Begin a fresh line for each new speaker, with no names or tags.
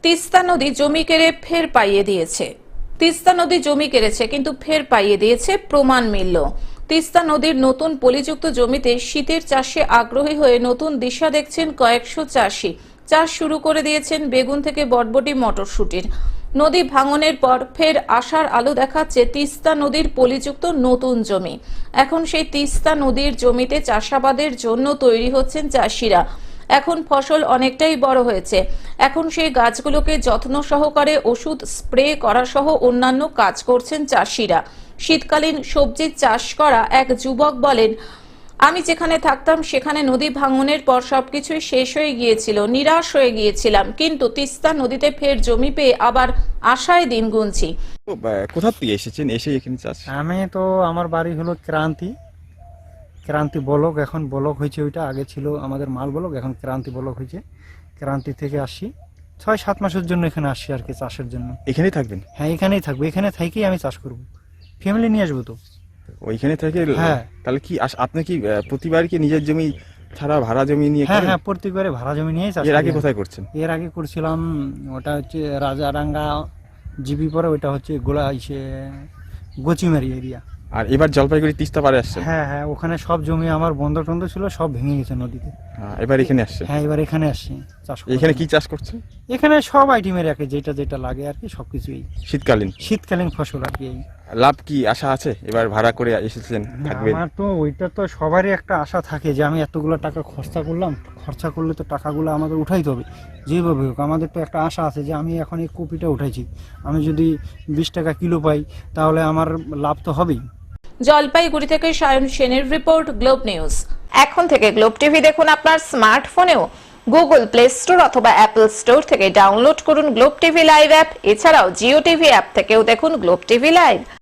তিস্তা নদী জমি কেড়ে ফের পাইয়ে দিয়েছে। তিস্তা নদী জমি কেড়েছে কিন্তু ফের পাইয়ে দিয়েছে, প্রমাণ মিলল। তিস্তা নদীর নতুন পলিযুক্ত জমিতে শীতের চাষে আগ্রহী হয়ে নতুন দিশা দেখছেন কয়েকশো চাষি। চাষ শুরু করে দিয়েছেন বেগুন থেকে বটবটি, মটরশুটির। নদী ভাঙনের পর ফের আশার আলো দেখাচ্ছে তিস্তা নদীর পলিযুক্ত নতুন জমি। এখন সেই তিস্তা নদীর জমিতে চাষাবাদের জন্য তৈরি হচ্ছেন চাষিরা। এখন ফসল অনেকটাই বড় হয়েছে। এখন সেই গাছগুলোকে যত্ন সহকারে ওষুধ স্প্রে করা সহ অন্যান্য কাজ করছেন চাষিরা। শীতকালীন সবজি চাষ করা এক যুবক বলেন, আমি যেখানে থাকতাম সেখানে নদী ভাঙনের পর সবকিছুই শেষ হয়ে গিয়েছিল, নিরাশ হয়ে গিয়েছিলাম, কিন্তু তিস্তা নদীতে ফের জমি পেয়ে আবার আশায় দিন গুনছি।
কোথা থেকে এসেছেন, এসে এখানে চাষ?
আমি তো আমার বাড়ি হলো ক্রান্তি ব্লক, এখন ব্লক হয়েছে। ওইটা আগে ছিল আমাদের মাল ব্লক, এখন ক্রান্তি ব্লক হয়েছে। ক্রান্তি থেকে আসি, 6-7 মাসের জন্য এখানে আসি আর কি, চাষের জন্য।
এখানেই থাকবেন?
হ্যাঁ, এখানেই থাকবো, এখানে থেকেই আমি চাষ করব। ফ্যামিলি নিয়ে আসবো তো।
ওইখানে থেকে?
হ্যাঁ।
তাহলে কি আপনি কি প্রতিবার কি নিজের জমি ছাড়া ভাড়া জমি নিয়ে
হ্যাঁ
করেন?
হ্যাঁ, প্রত্যেকবারে ভাড়া জমি নিয়েই চাষ
এর
করি
আগে
আমি।
কোথায় করছেন?
এর আগে করছিলাম, ওটা হচ্ছে রাজারাঙ্গা জিবি, পরে ওইটা হচ্ছে গচিমারি এরিয়া।
আর এবার জলপাইগুড়ি তিস্তা পাড়ে আসছেন?
হ্যাঁ হ্যাঁ, ওখানে সব জমি আমার বন্ধ টন্ধ ছিল, সব ভেঙে গেছে নদীতে।
এবার এখানে আসছেন?
হ্যাঁ, এবার এখানে আসছি চাষ করতে।
এখানে কি চাষ করছেন?
এখানে সব আইটেমের আর কি, যেটা যেটা লাগে আর কি, সবকিছুই
শীতকালীন
ফসল আর কি।
লাভ কি আশা আছে? এবার ভাড়া করে এসেছেন, থাকবেন?
আমার তো ওইটা তো সবারই একটা আশা থাকে যে আমি এতগুলো টাকা খরচা করলাম, খরচা করলে তো টাকাগুলো আমাদের উঠাইতে হবে যেভাবে হোক। আমাদের তো একটা আশা আছে যে আমি এখন এই কপিটা উঠাইছি, আমি যদি 20 টাকা কিলো পাই তাহলে আমার লাভ তো হবেই।
জলপাইগুড়ি থেকে সায়ন সেনের রিপোর্ট, গ্লোব নিউজ। এখন থেকে গ্লোব টিভি দেখুন আপনার স্মার্টফোনেও। গুগল প্লে স্টোর অথবা অ্যাপল স্টোর থেকে ডাউনলোড করুন গ্লোব টিভি লাইভ অ্যাপ। এছাড়াও জিও টিভি অ্যাপ থেকেও দেখুন গ্লোব টিভি লাইভ।